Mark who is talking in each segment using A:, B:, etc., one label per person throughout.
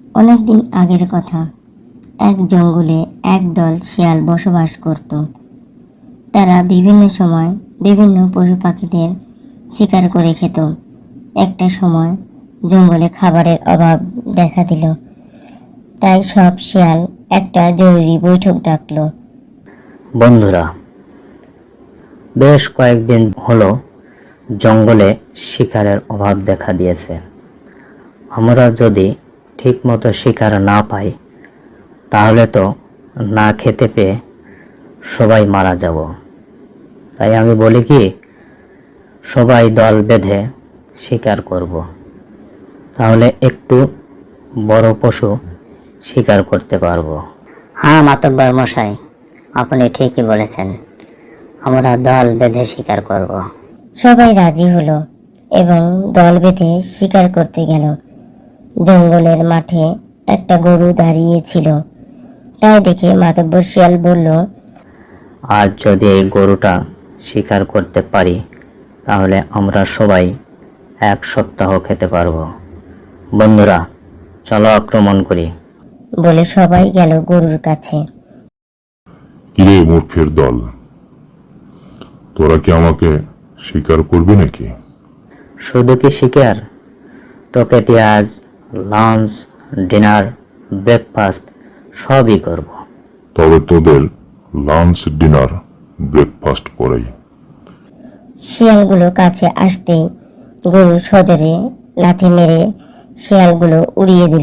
A: অনেকদিন আগের কথা। এক জঙ্গলে একদল শিয়াল বসবাস করত। তারা বিভিন্ন সময় বিভিন্ন পশু পাখিদের শিকার করে খেত। একটা সময় জঙ্গলে খাবারের অভাব দেখা দিল। তাই সব শিয়াল একটা জরুরি বৈঠক ডাকলো।
B: বন্ধুরা, বেশ কয়েকদিন হলো জঙ্গলে শিকারের অভাব দেখা দিয়েছে। আমরা যদি ঠিকমতো শিকার না পাই তাহলে তো না খেতে পেয়ে সবাই মারা যাব। তাই আমি বলি কি, সবাই দল বেঁধে শিকার করব, তাহলে একটু বড় পশু শিকার করতে পারবো।
C: হ্যাঁ মাতব্বর মশাই, আপনি ঠিকই বলেছেন, আমরা দল বেঁধে শিকার করব।
A: সবাই রাজি হলো এবং দল বেঁধে শিকার করতে গেল। জঙ্গলের মাঠে একটা গরু দাঁড়িয়েছিল। তাই দেখে মাতব্বর শিয়াল বলল,
B: আজ যদি এই গরুটা শিকার করতে পারি তাহলে আমরা সবাই এক সপ্তাহ খেতে পারবো। বন্ধুরা, চলো আক্রমণ করি।
A: বলে সবাই গেল গরুর কাছে।
D: কিরে মূর্খের দল, তোরা কি আমাকে স্বীকার করবি নাকি?
B: শুধু কি শিকার, তোকে দিয়ে আজ লাঞ্চ, ডিনার, ব্রেকফাস্ট সবই করব।
D: তবে তোদের লাঞ্চ, ডিনার, ব্রেকফাস্ট করাই।
A: শিয়ালগুলো কাছে আসতেই গরু সজোরে লাথি মেরে শিয়ালগুলো উড়িয়ে দিল।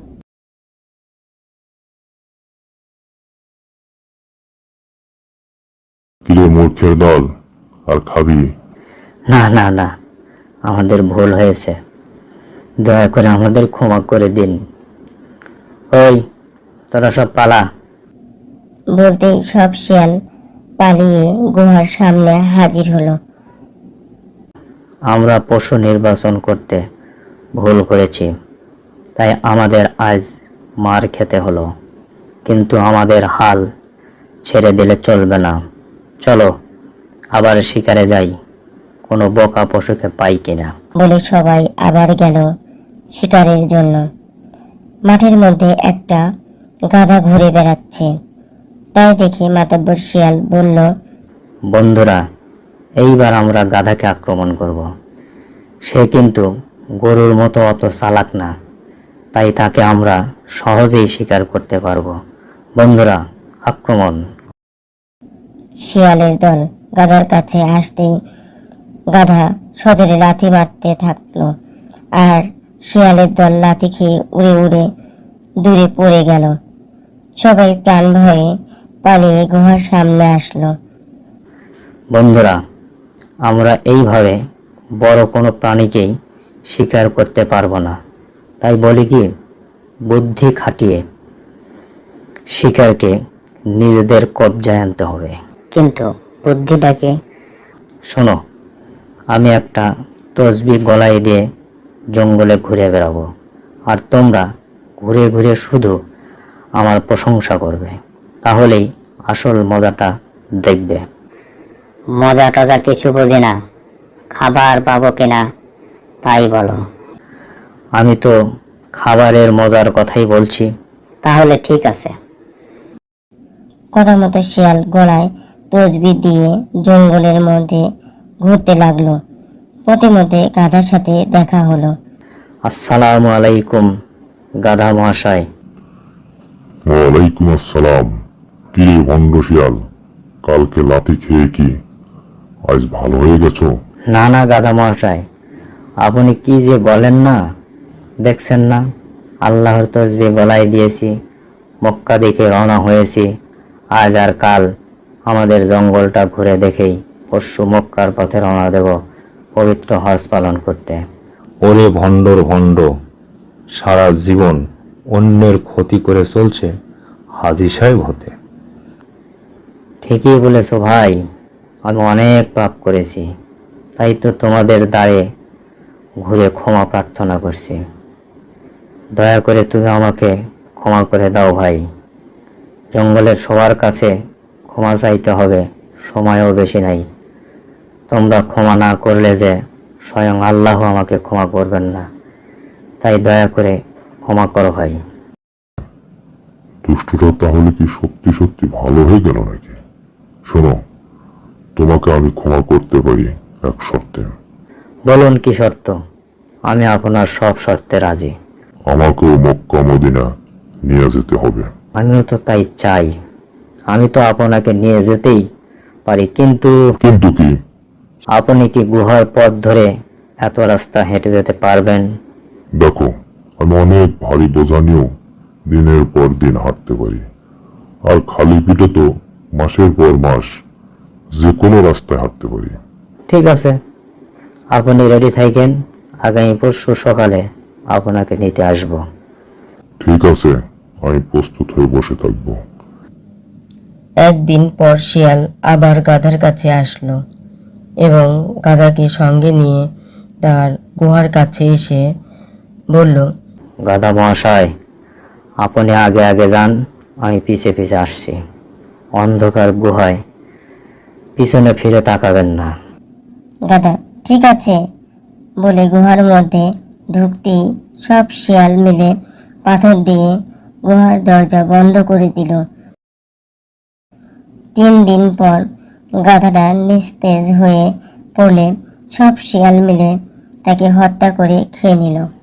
D: কিরে মূর্খের দল, আর খাবি?
B: না না না, আমাদের ভুল হয়েছে, দয়া করে আমাদের ক্ষমা করে দিন। ওই, তোরা সব পালা।
A: বলতেই সব শিয়াল পালিয়ে গুহার সামনে হাজির হলো।
B: আমরা পশু নির্বাচন করতে ভুল করেছি, তাই আমাদের আজ মার খেতে হলো, কিন্তু আমাদের হাল ছেড়ে দিলে চলবে না। চলো আবার শিকারে যাই, কোনো বোকা পশুকে পাই কিনা।
A: বলে সবাই আবার গেল শিকারের জন্য। মাঠের মধ্যে একটা গাধা ঘুরে বেড়াচ্ছে। তাই দেখে মাতব্বর শিয়াল বলল,
B: বন্ধুরা, এইবার আমরা গাধাকে আক্রমণ করব। সে কিন্তু গরুর মতো অত চালাক না, তাই তাকে আমরা সহজেই শিকার করতে পারবো। বন্ধুরা, আক্রমণ!
A: শিয়ালের দল গাধার কাছে আসতেই গাধা সজোরে লাথি মারতে থাকলো, আর শিয়ালের দল লাথি খেয়ে উড়ে উড়ে দূরে পড়ে গেল। সবাই প্রাণ ভয়ে পালিয়ে গুহার সামনে আসলো।
B: বন্ধুরা, আমরা এইভাবে বড় কোনো প্রাণীকেই শিকার করতে পারবো না। তাই বলি কি, বুদ্ধি খাটিয়ে শিকারকে নিজেদের কবজায় আনতে হবে।
C: কিন্তু বুদ্ধিটাকে?
B: শোনো, আমি একটা তসবি গলায় দিয়ে জঙ্গলে ঘুরে বেড়াবো, আর তোমরা ঘুরে ঘুরে শুধু আমার প্রশংসা করবে, তাহলেই আসল মজাটা দেখবে।
C: মজা টজা কিছু বুঝি না, খাবার পাবো কিনা তাই বলো।
B: আমি তো খাবারের মজার কথাই বলছি।
C: তাহলে ঠিক আছে।
A: কথা মতো শিয়াল গলায় তসবি দিয়ে জঙ্গলের মধ্যে ঘুরতে লাগলো। পথে মধ্যে গাধার সাথে দেখা হলো।
B: আসসালামু আলাইকুম গাধা মহাশয়।
D: ওয়ালাইকুম আসসালাম। কিরে ভণ্ড শিয়াল, কালকে লাথি খেয়ে কি আজ ভালো হয়ে গেছো?
B: না না গাধা মহাশয়, আপনি কি যে বলেন না, দেখছেন না আল্লাহর তসবি গলায় দিয়েছি, মক্কা দেখে রওনা হয়েছি। আজ আর কাল আমাদের জঙ্গলটা ঘুরে দেখেই পরশু মক্কার পথে রওনা দেব পবিত্র হজ পালন করতে।
E: ওরে ভণ্ডর ভণ্ড, সারা জীবন অন্যের ক্ষতি করে চলছে হাজী সাহেব হতে।
B: ঠিকই বলেছো ভাই, আমি অনেক পাপ করেছি, তাই তো তোমাদের দ্বারে ঘুরে ক্ষমা প্রার্থনা করছি। দয়া করে তুমি আমাকে ক্ষমা করে দাও ভাই। জঙ্গলের সবার কাছে ক্ষমা চাইতে হবে, সময়ও বেশি নাই। তোমরা ক্ষমা না করলে যে স্বয়ং আল্লাহ আমাকে ক্ষমা করবেন না, তাই দয়া করে ক্ষমা করো ভাই।
D: দুষ্টুটা তাহলে কি সত্যি সত্যি ভালো হয়ে গেল নাকি? শোনো, তোমাকে আমি ক্ষমা করতে পারি এক শর্তে।
B: বলুন কি শর্ত? আমি আপনার সব শর্তে রাজি।
D: আমাকেও মক্কা মদিনা নিয়ে যেতে হবে।
B: আমিও তো তাই চাই। আমি তো আপনাকে নিয়ে যেতেই পারি, কিন্তু
D: কিন্তু কি?
B: আপনি কি গুহার পথ ধরে এত রাস্তা হেঁটে যেতে পারবেন?
D: দেখো, আমি অনেক ভারী বোঝা নিয়েও দিনের পর দিন হাঁটতে পারি। আর খালি পিঠে তো মাসের পর মাস যে কোনো রাস্তায় হাঁটতে পারি।
B: ঠিক আছে, আপনি রেডি থাকেন। আগামী পরশু সকালে আপনাকে নিতে আসব।
D: ঠিক আছে, আমি প্রস্তুত হয়ে বসে থাকবো।
F: একদিন পর শিয়াল আবার গাধার কাছে আসলো এবং গাধাকে সঙ্গে নিয়ে তার গুহার কাছে এসে বলল,
B: গাধা মহাশয়, আপনি আগে আগে যান, আমি পিছে পিছে আসছি। অন্ধকার গুহায় পিছনে ফিরে তাকাবেন না।
A: গাধা ঠিক আছে বলে গুহার মধ্যে ঢুকতেই সব শিয়াল মিলে পাথর দিয়ে গুহার দরজা বন্ধ করে দিল। 3 দিন পর গাধাটা নিস্তেজ হয়ে পড়লে সব শিয়াল মিলে তাকে হত্যা করে খেয়ে নিল।